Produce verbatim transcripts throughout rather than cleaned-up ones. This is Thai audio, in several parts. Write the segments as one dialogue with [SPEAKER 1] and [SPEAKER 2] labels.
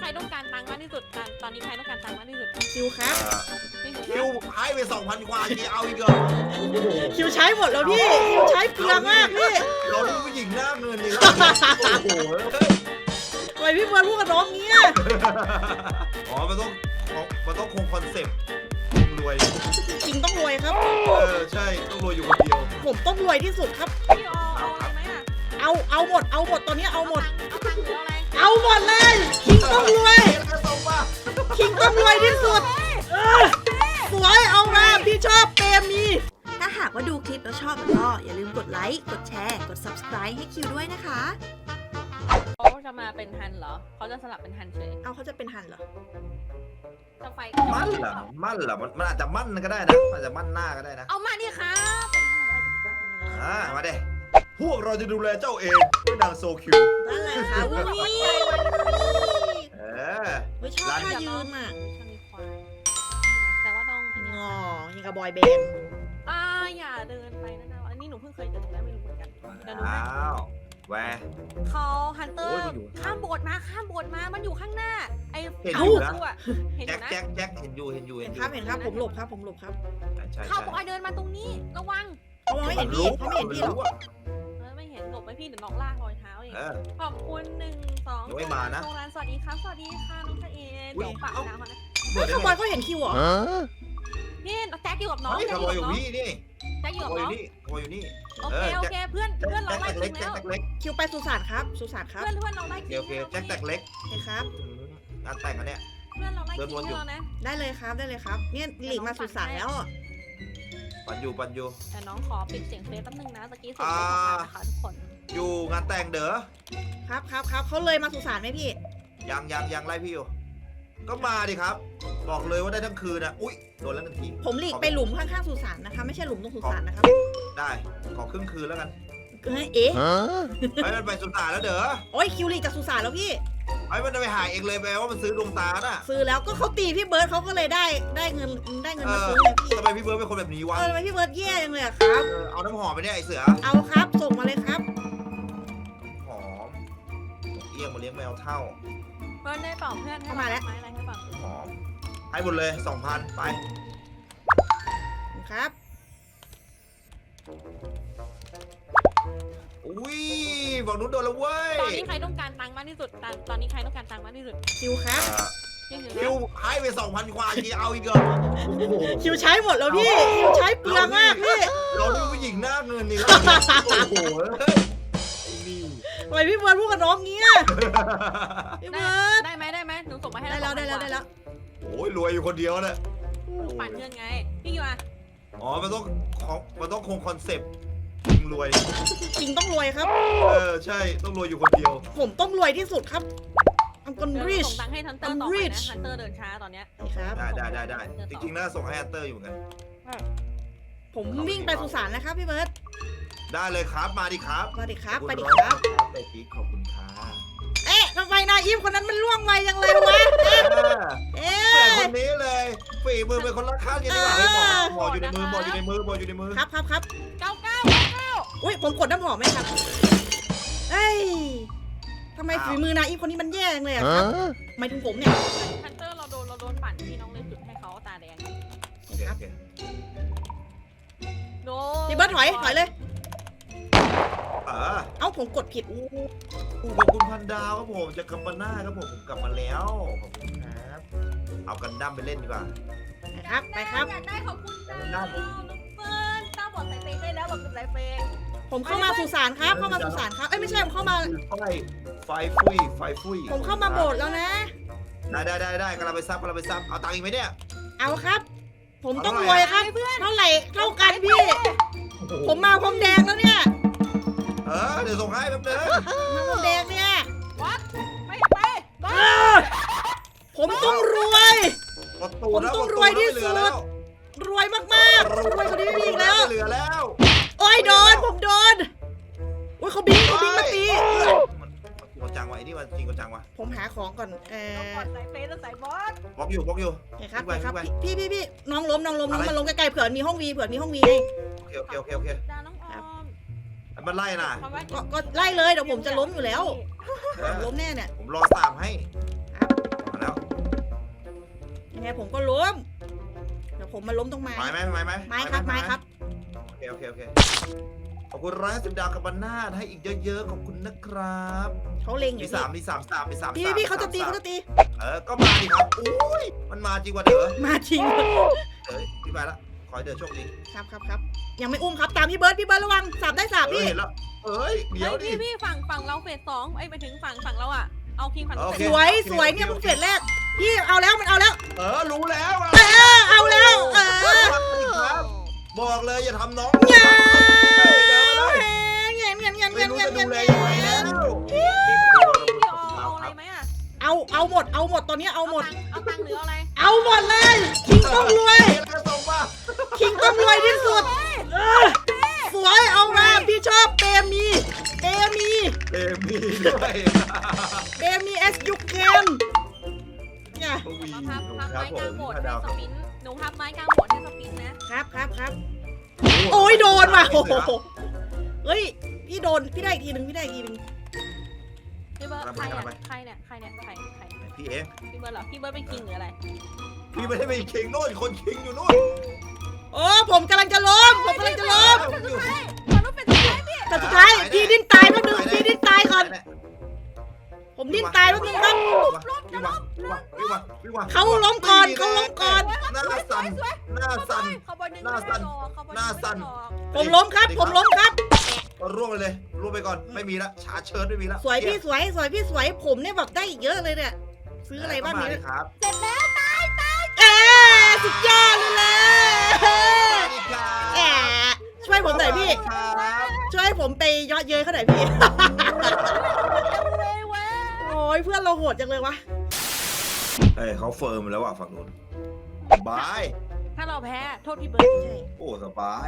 [SPEAKER 1] รต้องการตังค์มากที่สุดตอนตอนนี้ใครต้องการตังค์มากที่สุด
[SPEAKER 2] คิวครับ
[SPEAKER 1] พี่คิ
[SPEAKER 3] คิ
[SPEAKER 1] ว
[SPEAKER 3] วให้ไปสองพันกว่าทีเอาอีกเหรอ
[SPEAKER 2] คิวใช้หมดแล้วพี่คิวใช้เปลืองมากพี่
[SPEAKER 3] เราดูผู้หญิงหน้าเงินดิโอ้โห
[SPEAKER 2] ทำไมพี่เบิร์ดพูดกับน้องเงี้ย
[SPEAKER 3] อ๋อมันต้องมันต้องคงคอนเซ็ปต์รวย
[SPEAKER 2] จริงต้องรวยครับ
[SPEAKER 3] เออใช่ต้องรวยอยู่คนเดียว
[SPEAKER 2] ผมต้องรวยที่สุดครับ
[SPEAKER 1] พี่เอาเอาอะไรไหมอ่ะ
[SPEAKER 2] เอาเอาหมดเอาหมดตอนนี้เอาหมด
[SPEAKER 1] เอาตังค์หรืออะไร
[SPEAKER 2] เอาหมดเลยคิงต้องรวย
[SPEAKER 3] เกระส่งป่ะ
[SPEAKER 2] คิงต้องรวยที่สุดเออสวยเอามาพี่ชอบเปรมีถ้าหากว่าดูคลิปแล้วชอบก็อย่าลืมกดไลค์กดแชร์กด ซับสไครบ์ ให้คิวด้วยนะคะ
[SPEAKER 1] เขาจะมาเป็นฮันเหรอเขาจะสลับเป็นฮันเฉย
[SPEAKER 2] เอาเขาจะเป็นหันเหรอ
[SPEAKER 1] จะไฟ
[SPEAKER 3] มั่นเหรอมั่นเหรอมันอาจจะมั่นก็ได้นะอาจจะมั่นหน้าก็ได้นะ
[SPEAKER 1] เอามาดิครับ
[SPEAKER 3] อ่ามาเด้พวกเราจะดูแลเจ้าเองด้วยนางโซคิว
[SPEAKER 2] นั่นแหละค่ะอุ้ย
[SPEAKER 3] เออ
[SPEAKER 2] ไม่ชอบท่ายืนอ่ะ
[SPEAKER 1] ชนีควายแต่ว่าต้องอัน
[SPEAKER 2] ง
[SPEAKER 1] นี้
[SPEAKER 2] อยังกับบอยแบนด์
[SPEAKER 1] อ่าอย่าเดินไปนะนะอันนี้หนูเพิ่งเคยเจอแล้วไม่รู้เหมือนกันเดี๋ยวหนู
[SPEAKER 3] อ้าวแหว
[SPEAKER 1] เขาฮันเตอ
[SPEAKER 3] โอ้
[SPEAKER 1] ร์
[SPEAKER 3] ยมันอยู่
[SPEAKER 1] ข้ามโบสถ์มาข้ามโบสถ์มามันอยู่ข้างหน้าไอ้
[SPEAKER 3] เห็นอยู่นะ
[SPEAKER 1] อะเห็นอ
[SPEAKER 3] แจ็ค
[SPEAKER 1] ยู่นะ
[SPEAKER 3] แจ็คแจ็คเห็นอยู่เห็นอยู่
[SPEAKER 2] เห็
[SPEAKER 3] เห็
[SPEAKER 2] น
[SPEAKER 3] นอ
[SPEAKER 2] ค
[SPEAKER 3] ยู่
[SPEAKER 2] รับเห็นครับผมหลบครับผมหลบครับ
[SPEAKER 3] ใช่ใช่
[SPEAKER 1] เขาบอกให้เดินมาตรงนี้ระวัง
[SPEAKER 2] เขามองไม่เห็นพี่เขาไม่เห็นพี่หรอก
[SPEAKER 1] เออไม่เห็นหลบไปพี่เดี๋ยวน้องลากรอยเท้าเอง
[SPEAKER 3] เออ
[SPEAKER 1] ขอบคุณหนึ่งสอง
[SPEAKER 3] ยังไม่มานะ
[SPEAKER 1] โรงงานสวัสดีครับสวัสดีค่ะน้องชะเอ
[SPEAKER 3] อุ๊ย
[SPEAKER 1] เดี๋ยวปากน้ำก่อนนะ
[SPEAKER 3] เปิดได้
[SPEAKER 2] ข
[SPEAKER 3] ไง
[SPEAKER 2] บอยเขาเห็นคิวเหรอ
[SPEAKER 1] พี่แจ็คอยู่กับน้อง
[SPEAKER 3] เฮ้ย
[SPEAKER 1] แจ็
[SPEAKER 3] ข
[SPEAKER 1] ค
[SPEAKER 3] โมย
[SPEAKER 1] อ
[SPEAKER 3] อยู่ ยู่
[SPEAKER 1] กับน้อง
[SPEAKER 3] พี่นี่
[SPEAKER 1] แจ็คอ
[SPEAKER 3] ข
[SPEAKER 1] ยู่กับ
[SPEAKER 3] โมยอ
[SPEAKER 1] น้อง
[SPEAKER 3] ยู่นี่ขโมยอยู่นี่
[SPEAKER 1] โอเคโอเคเพื่อนเพื่อนเรา
[SPEAKER 3] แจ็ค
[SPEAKER 1] ไล่
[SPEAKER 3] แตก
[SPEAKER 1] ถึ
[SPEAKER 3] เล็ก
[SPEAKER 1] ง
[SPEAKER 3] แจ็
[SPEAKER 1] แล้ว
[SPEAKER 3] คแตกเล็ก
[SPEAKER 2] คิวไปสุสานครับสุสานครับ
[SPEAKER 1] เพื่อนเพื่อนเราไล่
[SPEAKER 3] โอเคโอเคแจ็คแตกเล็ก
[SPEAKER 2] โอเคครับ
[SPEAKER 3] อืมงานแต่งอันเนี้ย
[SPEAKER 1] เพื่อนเราไล่
[SPEAKER 3] เดินวนอยู่
[SPEAKER 1] ทิ้งเรานะ
[SPEAKER 2] ได้เลยครับได้เลยครับเนี่ยหลีกมาสุสานแล้วอะ
[SPEAKER 3] ปันอยู่ปันอยู่
[SPEAKER 1] แต่น้องขอปิดเสียงเฟซแป๊บนึงนะตะกี้เสียงเฟซของเรานะคะทุกคน
[SPEAKER 3] อยู่งานแต่งเด้อ
[SPEAKER 2] ครับครับครับเขาเลยมาสุสานไหมพี่
[SPEAKER 3] ยังยังยังไล่พี่อยู่ ก็มาดิครับ บอกเลยว่าได้ทั้งคืนนะอุ้ยโดนแล้วหนึ่งที
[SPEAKER 2] ผมหลีกไปหลุมข้างๆสุสานนะคะไม่ใช่หลุมตรงสุสานนะครับ
[SPEAKER 3] ได้ขอครึ่งคืนแล้วกัน
[SPEAKER 2] เอ้ยเอ๊ะ
[SPEAKER 3] ไอ้มันไปสุสานแล้วเด้อ
[SPEAKER 2] โอ้ยคิวหลีกจากสุสานแล้วพี่
[SPEAKER 3] ไอ้มันจะไปหาเองเลยแปลว่ามันซื้อดวงตาน่ะ
[SPEAKER 2] ซื้อแล้วก็เขาตีพี่เบิร์ดเขาก็เลยได้ได้เงินได้เงิน
[SPEAKER 3] เอ
[SPEAKER 2] มา
[SPEAKER 3] อ
[SPEAKER 2] ซื้อเลยพี่
[SPEAKER 3] ทำไมพี่เบิร์ดเป็นคนแบบนี้วะ
[SPEAKER 2] เออทำไมพี่เบิร์ดแย่จังเลยอะครับ
[SPEAKER 3] เออเอาน้ำหอมไปเนี่ยไอเสือ
[SPEAKER 2] เอาครับส่งมาเลยครับ
[SPEAKER 3] หอมเอี้ยงมาเลี้ยงแมวเท่า
[SPEAKER 1] เพื่อนได้เปล่าเพื่อนให้
[SPEAKER 2] เข้ามาแล้ว
[SPEAKER 1] ไม้อะไรให้เปล่า
[SPEAKER 3] หอมให้หมดเลยสองพันไป
[SPEAKER 2] ครับ
[SPEAKER 3] อุ้ยบอกนุ้นโดนแล้วเว้ย
[SPEAKER 1] ตอนนี้ใครต้องการตังค์มากที่สุดตอนตอนนี้ใครต้องการตังค์มากที่สุด
[SPEAKER 2] คิวครับ
[SPEAKER 3] อ่า
[SPEAKER 1] พี่คิว
[SPEAKER 3] คิว
[SPEAKER 1] นะ
[SPEAKER 3] ให้ไปสองพันกว่าทีเอาอีกเหรอโอ้โห
[SPEAKER 2] คิวใช้หมดแล้วพี่คิวใช้เปลืองมากพี่
[SPEAKER 3] เราดูผู้หญิงหน้าเงินนี่แล้วโอ้โหเฮ้ยนี่
[SPEAKER 2] ทำไมพี่เบิร์ดพูดกับน้องเงี้ยพี่
[SPEAKER 1] ได้
[SPEAKER 2] เบิร์ด
[SPEAKER 1] ได้ไหมได้ไหมหนูส่งมาให้
[SPEAKER 2] ได้แล้วได้แล้วได้แล้ว
[SPEAKER 3] โอ้ยรวยอยู่คนเดียวเลย
[SPEAKER 1] หนูปั่นเงินไงพี่คิวอะ
[SPEAKER 3] อ๋อมันต้องของมันต้องคงคอนเซ็ปต์รวย
[SPEAKER 2] จริงต้องรวยครับ
[SPEAKER 3] เออใช่ต้องรวยอยู่คนเดียว
[SPEAKER 2] ผมต้องรวยที่สุดครับ I'm
[SPEAKER 1] เดี๋ยว
[SPEAKER 2] gonna
[SPEAKER 1] หนู
[SPEAKER 2] rich
[SPEAKER 1] ส่งตังค์ให้ทันเตอร์
[SPEAKER 2] I'm
[SPEAKER 1] ต่อไป
[SPEAKER 2] rich
[SPEAKER 1] นะทันเตอร์เดินช้าตอนเนี้ย
[SPEAKER 2] ครับ
[SPEAKER 3] ได้ได้ได้ได้จริงๆน่าส่งให้ฮันเตอร์อยู่เหมือนกัน
[SPEAKER 2] ผมวิ่งไปสุสานนะครับพี่เบิร์ด
[SPEAKER 3] ได้เลยครับมาดิครับ
[SPEAKER 2] มาดิครับ
[SPEAKER 3] ขอ
[SPEAKER 2] ไป
[SPEAKER 3] ณ
[SPEAKER 2] ดิ
[SPEAKER 3] ร้อย
[SPEAKER 2] ครับ
[SPEAKER 3] ไปปีขอบคุณค่ะ
[SPEAKER 2] เอ๊ะทำไมนาอีฟคนนั้นมันล่วงไวยังเลยวะ เอ๊ะเอ๊
[SPEAKER 3] เปิด
[SPEAKER 2] ะ
[SPEAKER 3] คนนี้เลยฝีมือเป็นคนละข้างกันดีกว่าให้หมอหมออยู่ในมือหมออยู่ในมือหมออยู่ในมือ
[SPEAKER 2] ครับครับครับ
[SPEAKER 1] เก้าเก้าเก้า
[SPEAKER 2] อุ้ยผมกดน้ำหอมไหมครับเอ้ยทำไมฝีมือนาอีฟคนนี้มันแย่จังเลยอะครับหมายถึงผมเนี่ย
[SPEAKER 1] ทันเตอร์เราโดนเราโดนปั่นพี่น้องเลยจุดให้เขาตาแดง
[SPEAKER 3] โอเคโอเค
[SPEAKER 1] โด
[SPEAKER 2] พี่เบิร์ดถอยถอยเลย
[SPEAKER 3] เออ
[SPEAKER 2] เอ้าผมกดผิด
[SPEAKER 3] อู้ขอบคุณพันดาวครับผมจะกลับมาหน้าครับผมผมกลับมาแล้วขอบคุณครับเอากันดั้มไปเล่นดีกว่า
[SPEAKER 2] นะครับไปครับ
[SPEAKER 1] อยากได้ขอบคุณจ้า
[SPEAKER 3] ได้
[SPEAKER 1] น้องเฟิร์นตาบอดใส่เฟงได้แล้วบอกเป็นสายเฟง
[SPEAKER 2] ผมเข้ามาสุสานครับ เข้ามาสุสานครับเอ้ยไม่ใช่ผมเข้ามา
[SPEAKER 3] ไฟไฟฟุยไฟฟุย
[SPEAKER 2] ผมเข้ามาโบสถ์แล้วนะ
[SPEAKER 3] ได้ได้ได้ได้กำลังไปซับกำลังไปซับเอาตังค์อีกไหมเนี่ย
[SPEAKER 2] เอาครับ ผมต้องรวยครับเท่าไหร่เท่ากันพี่ ผมมาพรมแดงแล้วเนี่ย
[SPEAKER 3] เออเดี๋ยวส่งให้แป๊บนึง
[SPEAKER 2] มาพรมแดงเนี่ย
[SPEAKER 1] วัดไปไปบ้า
[SPEAKER 2] เออผมต้องรวย
[SPEAKER 3] กดตูดแล้ว
[SPEAKER 2] ผมต้อง
[SPEAKER 3] กดตู
[SPEAKER 2] รวยที่
[SPEAKER 3] แล้
[SPEAKER 2] สุด
[SPEAKER 3] ไม่เหลือแล้ว
[SPEAKER 2] รวยมากๆรวยกว่านี้ไม่มีอีกแล้ว
[SPEAKER 3] ไม่เหลือแล้ว
[SPEAKER 2] โอ้ยโดนผมโดนโอ้ยเขาบิงเขาบิงมาตี
[SPEAKER 3] มันจริงจังวะไอ้นี่มันจริงจังวะ
[SPEAKER 2] ผมหาของก่อนเอ
[SPEAKER 1] ตา
[SPEAKER 2] อบ
[SPEAKER 1] อดใส่เฟงแล้วใส่บอส
[SPEAKER 3] บล็อกอยู่บล็อกอยู่
[SPEAKER 2] โอเคครับ
[SPEAKER 3] ขึ้นไป
[SPEAKER 2] ครับ
[SPEAKER 3] ขึ้นไป
[SPEAKER 2] พี่พี่พี่น้องล้มน้องล้มน้อง
[SPEAKER 3] อะไร
[SPEAKER 2] มาลงใกล้ๆเผื่อมีห้องวีเผื่อมีห้องวีไง
[SPEAKER 3] โอเคโอเคโอเคโอเค
[SPEAKER 1] ดาน้องออม
[SPEAKER 3] มันไล่น่ะ
[SPEAKER 2] ก็ก็ไล่เลยเดี๋ยวผมจะล้มอยู่แล้ว
[SPEAKER 3] เออ
[SPEAKER 2] ล้มแน่เนี่ย
[SPEAKER 3] ผมรอสามให้
[SPEAKER 2] ครับงผมก็ล้มเดี๋ยวผมมาล้มตรงไม้
[SPEAKER 3] ไม้ไหมไม้ไหม
[SPEAKER 2] ไม้ครับไม้ครับ
[SPEAKER 3] โอเคโอเคโอเคขอบคุณร้อยสิบดาวกับบรรณาให้อีกเยอะๆขอบคุณนะครับ
[SPEAKER 2] เขาเล็งอ
[SPEAKER 3] มี
[SPEAKER 2] ยู่
[SPEAKER 3] สามมีสามสามมีสาม
[SPEAKER 2] พี่
[SPEAKER 3] สาม
[SPEAKER 2] พี่เขาจะตี
[SPEAKER 3] สม
[SPEAKER 2] เขาจะตี
[SPEAKER 3] เออก็มาดิครับอุ้ยมันมาจริงว่ะเด้อ
[SPEAKER 2] มาจริง
[SPEAKER 3] เอ้ยพี่ไปละขอให้เด้อโชคดี
[SPEAKER 2] ครับครับครับยังไม่อุ้มครับตามพี่เบิร์ดพี่เบิร์ดระวังสับได้สับ
[SPEAKER 3] เออ
[SPEAKER 2] พี่
[SPEAKER 3] เห็นแล้วเอ้ยเดี๋ยว
[SPEAKER 1] เฮ้ย
[SPEAKER 3] ดิ
[SPEAKER 1] พี่พี่ฝั่งฝั่งเราเฟสสองไอ้ยไปถึงฝั่งฝั่งเราอ่ะเอาคิงฝั่ง
[SPEAKER 3] โอเค
[SPEAKER 2] สวยสวยเนี่ยมันเฟสแรกพี่เอาแล้วมันเอาแล้ว
[SPEAKER 3] เออรู้แล้วอะ
[SPEAKER 2] เออเอาแล้วเออ
[SPEAKER 3] ครับบอกเลยอย่าทำน้อง
[SPEAKER 2] เงี้ย
[SPEAKER 3] เดินมาเลย
[SPEAKER 2] เงี้ยเงี้ยเงี้ย
[SPEAKER 3] ไม่
[SPEAKER 2] เงี้ย
[SPEAKER 3] รู้
[SPEAKER 2] เงี้ย
[SPEAKER 3] จะ
[SPEAKER 2] เงี้
[SPEAKER 3] ดู
[SPEAKER 2] ย
[SPEAKER 3] แลยังไงแล้ว
[SPEAKER 1] พี่เอาเอาอะไรไหมอ่ะ
[SPEAKER 2] เอาเอาหมดเอาหมดตอนนี้เอาหมด
[SPEAKER 1] เอาตังค์หรือเอาอะไร
[SPEAKER 2] เอาหมดเลยคิงต้องรวย
[SPEAKER 3] เแล้วส่งป่ะ
[SPEAKER 2] คิงต้องรวยที่สุดเออสวยเอามาพี่ชอบเตมีเตมี
[SPEAKER 3] เอมีด้วย
[SPEAKER 2] เตมีเอสยูเคนเนี่ย
[SPEAKER 3] โอ้ย
[SPEAKER 1] มาพับพับ
[SPEAKER 3] ครั
[SPEAKER 1] ไม้
[SPEAKER 3] บผ
[SPEAKER 1] กลาง
[SPEAKER 3] ม
[SPEAKER 1] โบสถ์
[SPEAKER 3] พระ
[SPEAKER 1] ให้
[SPEAKER 3] ดาว
[SPEAKER 1] สปินหนูพับไม้กลางโบสถ์ให้สปินนะครับ
[SPEAKER 2] ครับครับโอ้ยโดนว่ะโอ้โหเฮ้ยพี่โดนพี่ได้อีกทีหนึ่งพี่ได้อีกทีหนึ่ง
[SPEAKER 1] พี่เบิร์ดใครเนี่ยใครเนี่ยใครเนี่ยใครใคร
[SPEAKER 3] พี่เอง
[SPEAKER 1] พี่เบิร์ดเหรอพี่เบิร์ดเป็นคิงหรืออะไร
[SPEAKER 3] พี่ไม่ได้ไปคิงโน่นคนคิงอยู่นู่น
[SPEAKER 2] โอ้ผมกำลังจะล้มผมกำลังจะล้ม
[SPEAKER 3] ผมอยู่
[SPEAKER 1] มันต้องเป็นสุดท้ายพี่
[SPEAKER 2] แต่สุดท้ายพี่ดิ้นตายแป๊บนึงพี่ดิ้นตายก่อนผมดิ้นตายแป๊บนึงครับ
[SPEAKER 3] พี่วะพี่วะพี่วะพี่วะ
[SPEAKER 2] เขาล้มก่อนเขาล้มก่อน
[SPEAKER 3] หน้าสั่นหน้าสั่น
[SPEAKER 1] เขาบอลดึง
[SPEAKER 3] หน้าสั่น หน้าสั่น
[SPEAKER 2] ผมล้มครับ ผมล้มครับ
[SPEAKER 3] ร่วงไปเลยร่วงไปก่อนไม่มีละชาเชิญไม่มีละ
[SPEAKER 2] สวยพี่สวยสวยพี่สวยผมเนี่ยแบบได้อีกเยอะเลยเนี่ยซื้ออะไรบ้าง
[SPEAKER 3] เนี่
[SPEAKER 2] เนี่ย
[SPEAKER 3] ครับ
[SPEAKER 1] เสร็จแล้วตายตาย
[SPEAKER 2] เอ๊สุดยอดเลยเลยแอะช่วยผมหน่อยพี่
[SPEAKER 3] ครับ
[SPEAKER 2] ช่วยผมไปยอดเย้ยเขาหน่อยพี่
[SPEAKER 1] จังเลยเว้ย
[SPEAKER 2] โอ้ยเพื่อนเราโหดจังเลยวะ
[SPEAKER 3] เฮ้ยเขาเฟิร์มแล้วว่ะฝั่งนู้นบาย
[SPEAKER 1] ถ้าเราแพ้โทษพี่เบิร์ด
[SPEAKER 2] ใช่
[SPEAKER 3] โอ้สบาย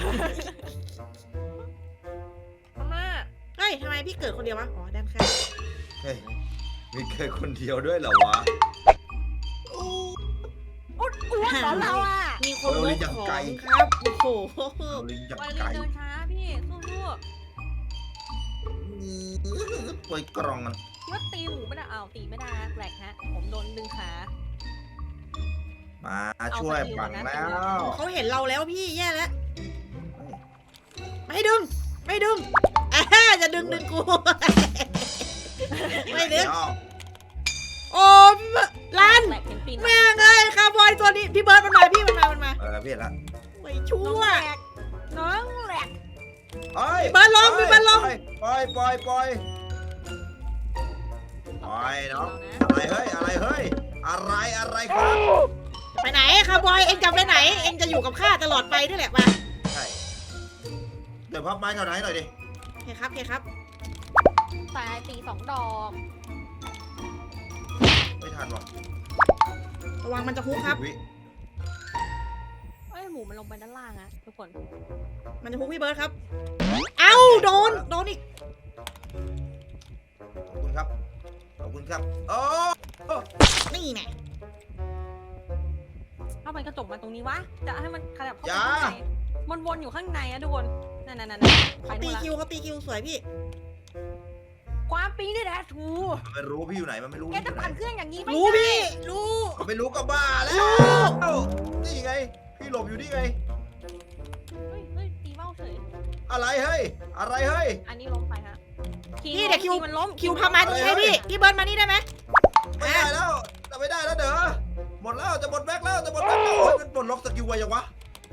[SPEAKER 1] อาม่า
[SPEAKER 2] เฮ้ยทำไมพี่เกิดคนเดียววะอ๋อด้านข้าง
[SPEAKER 3] เฮ้ยมีแค่คนเดียวด้วยเหรอวะ
[SPEAKER 1] อุดอ้วนเหรอเราอ่ะ
[SPEAKER 2] มีคนล
[SPEAKER 3] เออลิ้
[SPEAKER 2] บ
[SPEAKER 3] นอย่าง
[SPEAKER 2] ของ
[SPEAKER 3] ไกล
[SPEAKER 2] ครับโอ้โห
[SPEAKER 3] เอาลิงจาก
[SPEAKER 1] ไป
[SPEAKER 3] ไกล
[SPEAKER 1] เดินช้าพี่สู้
[SPEAKER 3] เปิดกล่องมัน
[SPEAKER 1] ๆว่าตีหมูไม่ได้เอาตีไม่ได้แหลกฮะผมโดนดึงขา
[SPEAKER 3] มาช่วยปังแล้ว
[SPEAKER 2] เขาเห็นเราแล้วพี่แย่แล้วไม่ดึง ไม่ดึงอ่าจะดึงดึงกู ไม่ดึง โอ้พี่เบิร์ดลัน
[SPEAKER 1] แหลกเห็นปีน
[SPEAKER 2] แม่งเอ้ยคาร์บอยตัวนี้พี่เบิร์ดมันมาพี่มันมามันมา
[SPEAKER 3] เออพี่เห็นละ
[SPEAKER 2] ไม่ชั่
[SPEAKER 1] น้อง
[SPEAKER 2] ว
[SPEAKER 1] แหลกน้องแหลก
[SPEAKER 3] เอ้ย
[SPEAKER 2] พี่เบิร์ดลงพี่เบิร์ดลง
[SPEAKER 3] ปล่อยปล่อยปล่อยปล่อยน้องอะไรเฮ้ยอะไรเฮ้ยอะไรอะไรครับ
[SPEAKER 2] ไปไหนคาร์บอยเอ็งจะไปไหน เอ็งจะอยู่กับข้าตลอดไปนี่แหละมา
[SPEAKER 3] ใช่เดี๋ยวพับไม้แถวไหนหน่อยดิ
[SPEAKER 2] โอเคครับโอเคครับ
[SPEAKER 1] ตายตีสองดอก
[SPEAKER 3] ไม่ทันหรอก
[SPEAKER 2] ระวังมันจะฮุกครับ
[SPEAKER 3] วิ
[SPEAKER 1] เอ้ยหมูมันลงไปด้านล่างอะทุกคน
[SPEAKER 2] มันจะฮุกพี่เบิร์ดครับ เอ้าโดนโดนอีก
[SPEAKER 3] ขอบคุณครับขอบคุณครับโอ้
[SPEAKER 2] นี่แน่
[SPEAKER 1] ถ้ามันกระจกมาตรงนี้วะจะให้มันขยับเข้าไปข้างในมันวนอยู่ข้างในอะทุกคนนั่นนั่นนั่นไป
[SPEAKER 2] เขา
[SPEAKER 1] นู่
[SPEAKER 2] ตี
[SPEAKER 1] นละ
[SPEAKER 2] คิวเขาตีคิวสวยพี่
[SPEAKER 1] ความปีนี่แหละทู
[SPEAKER 3] มันไม่รู้พี่อยู่ไหนมันไม่รู้
[SPEAKER 1] แก
[SPEAKER 3] พี่อ
[SPEAKER 1] จะ
[SPEAKER 3] ยู่ไหน
[SPEAKER 1] ปั่นเครื่องอย่างนี้ไม่
[SPEAKER 2] รู้
[SPEAKER 1] ได้
[SPEAKER 2] พี่รู้
[SPEAKER 3] มันไม่รู้ก็บ้าแล้ว
[SPEAKER 2] รู้
[SPEAKER 3] นี่ไงพี่หลบอยู่นี่ไง
[SPEAKER 1] เฮ้ยเฮ้ยตีเบ้าเฉย
[SPEAKER 3] อะไรเฮ้ยอะไรเฮ้ย
[SPEAKER 1] อันนี้ล้มไปฮะ
[SPEAKER 2] พี่เดี๋ยวคิว
[SPEAKER 1] มันล้ม
[SPEAKER 2] คิวพามาตรงนี้ให้พี่พี่เบิร์ดมานี่ได้ไหม
[SPEAKER 3] ไม่ได้แล้วจะไม่ได้แล้วเด้อหมดแล้วจะหมดแบ็คแล้วจะหมดแบ็คแล้วโอ้ยมันปลดล็อกสกิลไวยังวะ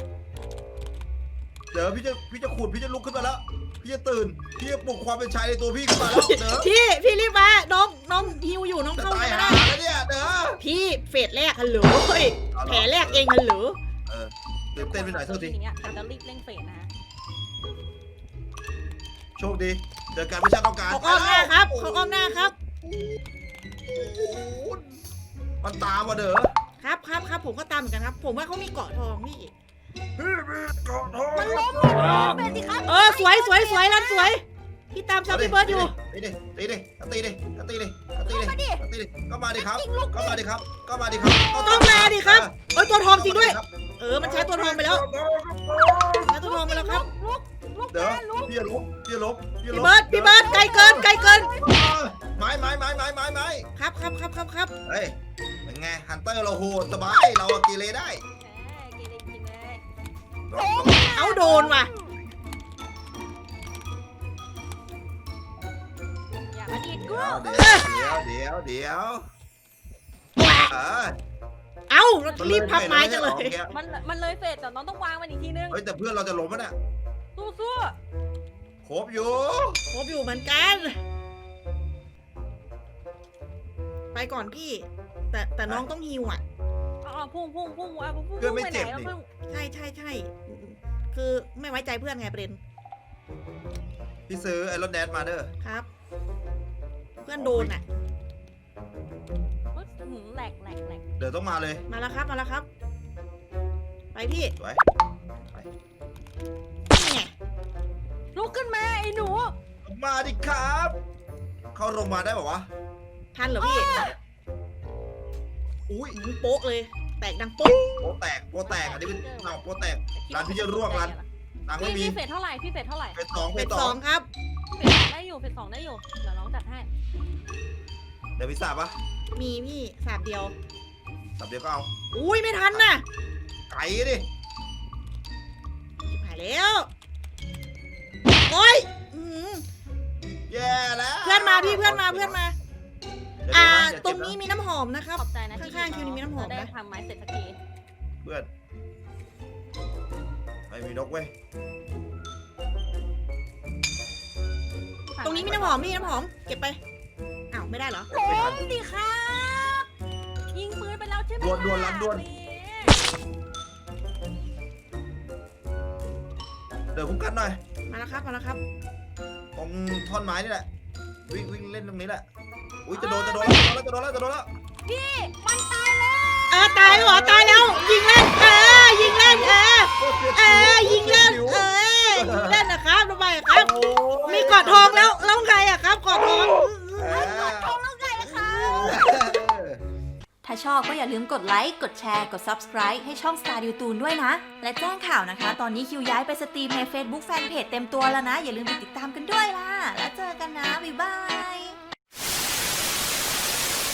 [SPEAKER 3] เดี๋ยวพี่จะพี่จะขุดพี่จะลุกขึ้นมาแล้วพี่จะตื่นพี่จะปลุกความเป็นชายในตัวพี่ขึ้นมาแล้วเด้อ
[SPEAKER 2] พี่พี่รีบมาน้องน้องฮิวอยู่น้อง
[SPEAKER 3] จะ
[SPEAKER 2] เข้า
[SPEAKER 3] ตาย
[SPEAKER 2] ไม่
[SPEAKER 3] หา
[SPEAKER 2] ได้
[SPEAKER 3] แล้วเนี่ยเด้อ
[SPEAKER 2] พี่เฟสแรกฮัลโหลเฮ้ยแผลแรกเองฮัลโหล
[SPEAKER 3] เออตื่นเต้นไปหน่อยโทษที
[SPEAKER 1] อย่างเงี้ยแต่จะรีบเร่งเฟสนะฮะ
[SPEAKER 3] โชคดีเจอกันไม่ใช่ต้องการ
[SPEAKER 2] เขาอ้อมหน้าครับเขาอ้อมหน้าครับ
[SPEAKER 3] มันตามมาเด้อ
[SPEAKER 2] ครับครับครับผมก็ตามเหมือนกันครับ ผมว่าเขามีเกาะทองพี่
[SPEAKER 3] พี่มีกอดทอง
[SPEAKER 1] มันล้มเฟสสิครับ
[SPEAKER 2] เออสวยสวยสวยรันสวยพี่ตามซับพี่เบิร์ดอยู่
[SPEAKER 3] ตีดิตีดิตีดิตีดิตีดิตีดิก็มาดิครับก็มาดิครับก็มาดิครับ
[SPEAKER 2] ต้องมาดิครับเอ้ยตัวทองจริงด้วย เออมันใช้ตัวทองไปแล้วใช้ตัวทองไปแล้วครับ
[SPEAKER 1] ลุกลุก
[SPEAKER 3] เดี๋ยวพี่จะลบพี่จะลบพี่จะล
[SPEAKER 2] พี่
[SPEAKER 3] บ
[SPEAKER 2] เบิร์ดพี่เบิร์ดไกลเกินไกลเกิน
[SPEAKER 3] ไม้ไม้ไม้ไม้ไม้ไม้
[SPEAKER 2] ครับครับครับครับครับ
[SPEAKER 3] เฮ้ยเป็นไงฮันเตอร์เราโหดสบายเรากีเลได้
[SPEAKER 1] แหมกินเลยกินเลย
[SPEAKER 2] เอาโดนว่ะ
[SPEAKER 1] อย่ามาดีดกู
[SPEAKER 3] เดี๋ยวเดี๋ยวเดี๋ยวเดี๋ยวเออ
[SPEAKER 2] เอารีบพับไม้จังเลย
[SPEAKER 1] มันมันเลยเฟสแต่น้องต้องวางมันอีกทีนึง
[SPEAKER 3] เฮ้ยแต่เพื่อนเราจะล้มแล้วเนี่ย
[SPEAKER 1] สู้สู้
[SPEAKER 3] ครบอยู่
[SPEAKER 2] ครบอยู่เหมือนกัน ไปก่อนพี่ แต่แต่น้องต้องฮิวอ่ะ
[SPEAKER 1] อ๋อพุ่งพุ่งพุ่งอ่ะพุ่งพุ่งไปไหนแล้วพุ่ง
[SPEAKER 2] ใช่ใช่ใช่คือไม่ไว้ใจเพื่อนไงประเด็น
[SPEAKER 3] พี่ซื้อไอ้รถแดนมาเด้อ
[SPEAKER 2] ครับ เพื่อนโดนอ่ะ
[SPEAKER 1] หืมแหลกแหลกแหลก
[SPEAKER 3] เดี๋ยวต้องมาเลย
[SPEAKER 2] มาแล้วครับมาแล้วครับ ไปพี่
[SPEAKER 3] สวย
[SPEAKER 2] นี่ไง
[SPEAKER 1] ลุกขึ้นมาไอ้หนู
[SPEAKER 3] มาดิครับ เข้าโรงพยาบาลได้ป่าวะ
[SPEAKER 2] ทันเหรอพี่
[SPEAKER 3] อุ้ย
[SPEAKER 2] หืมโป๊กเลย แตกดังโป๊ก
[SPEAKER 3] โปแตกโปแตกอันนี้เป็นเอาโปแตก ร้านพี่จะร่วงร้าน ตังค์ไม่
[SPEAKER 1] พี่
[SPEAKER 3] มี
[SPEAKER 1] พี่เฟสเท่าไหร่พี่เฟสเท่าไหร่
[SPEAKER 3] เป็นสอง
[SPEAKER 2] เป็
[SPEAKER 3] เป็น น
[SPEAKER 2] ส
[SPEAKER 3] ส
[SPEAKER 2] อ
[SPEAKER 3] อง ง
[SPEAKER 2] ครับ
[SPEAKER 1] เฟสได้อยู่เฟสสองได้อยู่เดี๋ยวน้องจัดให้
[SPEAKER 3] เดี๋ยวพิซซ่าปะ
[SPEAKER 2] มีพี่สามเดียว
[SPEAKER 3] สับเดียวก็เอา
[SPEAKER 2] อุ้ยไม่ทันน่ะ
[SPEAKER 3] ไก่ดิ
[SPEAKER 2] ชิบหายแล้วโอ้ยอื้อหือ
[SPEAKER 3] แย่แล้ว
[SPEAKER 2] เพื่อนมาพี่เพื่อนมาเพื่อนมา
[SPEAKER 3] เดี๋ยว
[SPEAKER 2] อ่า
[SPEAKER 3] นะเดี๋ยว
[SPEAKER 2] ตรง
[SPEAKER 3] เจ็บะ
[SPEAKER 2] นี้มีน้ำหอมนะครับ
[SPEAKER 1] ขอบใจนะที่
[SPEAKER 2] ข้างๆคิวนี้มีน้ำหอมนะ
[SPEAKER 1] ได้ทำไม้เสร็จสักที
[SPEAKER 3] เพื่อนไม่มีนกเว้ย
[SPEAKER 2] ตรงนี้มีน้ำหอมพี่น้ำหอม เก็บไป อ้าวไม่ได้เหรอ
[SPEAKER 1] ล้มดิครับยิงปืนไปแล้วใช่ไหม
[SPEAKER 3] ดวนดวนรันดวน เดี๋ยวคุ้มกันหน่อย
[SPEAKER 2] มาแล้วครับมาแล้วครับ
[SPEAKER 3] ตรงท่อนไม้นี่แหละ วิ่งวิ่งเล่นตรงนี้แหละ อุ้ยจะโดนจะโดนแล้วจะโดนแล้วจะโดนแล้วจะโดนแล้ว
[SPEAKER 1] พี่มันตายแล้ว
[SPEAKER 2] เออตายแล้วเหรอตายแล้ว ยิงเล่นเออยิงเล่นเออเออยิงเล่นเออยิงเล่นนะครับทำไมอะครับ มีกอดทองแล้วแล้วใครอะครับกอดทอง
[SPEAKER 1] ทองแล้วไงคะ
[SPEAKER 2] ถ้าชอบก็อย่าลืมกดไลค์กดแชร์กด Subscribe ให้ช่อง Star ดิวตูนด้วยนะ และแจ้งข่าวนะคะ ตอนนี้คิวย้ายไปสตรีมใน Facebook Fanpage เต็มตัวแล้วนะ อย่าลืมไปติดตามกันด้วยล่ะแล้วเจอกันนะบ๊ายบาย